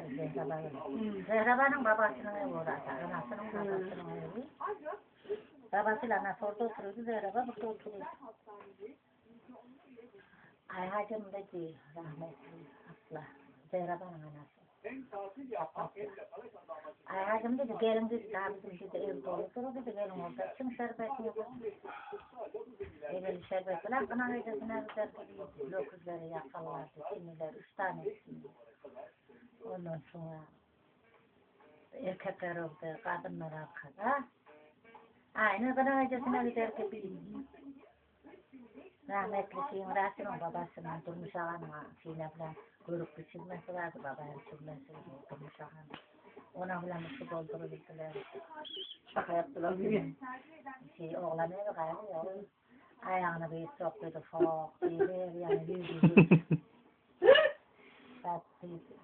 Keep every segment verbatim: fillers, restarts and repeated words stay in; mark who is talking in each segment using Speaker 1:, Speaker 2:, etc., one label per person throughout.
Speaker 1: Zehraba'nın. Zehraba'nın babasının evi orası. Anasının babasının evi. Babasıyla anası orada oturuyordu. Zehraba burada oturuyordu. Ayhacım dedi rahmetli abla. Zehraba'nın anası. Ayhacım dedi gelin dedi daha bizim dedi ev doludur dedi gelin orada kim şerbetini yapar. Evvel şerbetler bana öylesine güzel gibi dokuzları yakarlardı. Kimiler üç tanesini. Ondan sonra erkekler oldu, kadınlar arkada. Aynı bana öylesine güzel gibi. Rahmetli şeyin Rasim'in babasının Durmuş Ağa'nın şeyine falan görüp bir çizmesi vardı babanın çizmesi Durmuş Ağa'nın. Ona falan su dolduruldular.
Speaker 2: Şaka yaptılar değil mi?
Speaker 1: Şey oğlan evi kaybıyor. Ayağını bir soktuydu fok diye yani yüzü tatlıydı.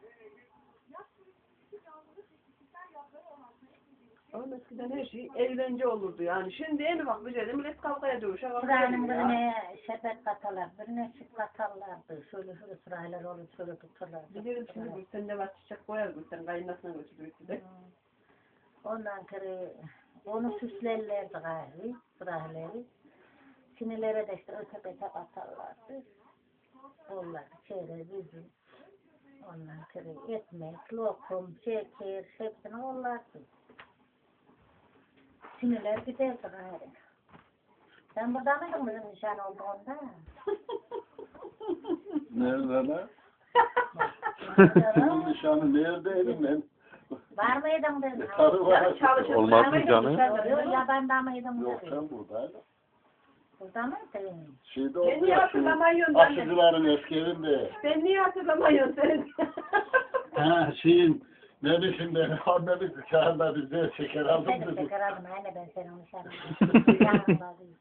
Speaker 2: Ama eskiden her şey eğlence olurdu yani. Şimdi en ufak bir şeyde millet kavgaya dövüşe
Speaker 1: Sırayla birine şerbet katarlar, birine süt katarlardı. Şöyle şöyle sıraylar olur, şöyle tutarlardı.
Speaker 2: Bilirim şimdi Gülsen de var çiçek koyar Gülsen kayınlasına götürüyordu de.
Speaker 1: Ondan sonra onu süslerlerdi gayri, sırayları. Sinirlere de işte öte bete atarlardı. Onlar şeyler bizim. Ondan sonra ekmek, lokum, şeker, hepsini ollardı. Sinirler giderdi gayri. Sen burada mıydın bizim nişan olduğunda?
Speaker 3: Nerede lan? Senin nişanı neredeydim ben?
Speaker 1: Var mıydın dedin?
Speaker 3: Karı var.
Speaker 4: Olmaz mı canım?
Speaker 1: Yok, yabanda mıydın?
Speaker 3: Yok sen buradaydın.
Speaker 1: Burada mıydın?
Speaker 3: Şeyde
Speaker 2: Ben
Speaker 3: oldu
Speaker 2: niye
Speaker 3: ya şu
Speaker 2: hatırlamıyorum ben de?
Speaker 3: aşıcıların eski evinde.
Speaker 2: Ben niye hatırlamıyorum seni?
Speaker 3: Ha şeyin ne biçim ben annemiz dışarıda bize şeker aldım
Speaker 1: Sen de
Speaker 3: dedi.
Speaker 1: şeker aldım anne ben senin nişanını. Yanımda değil.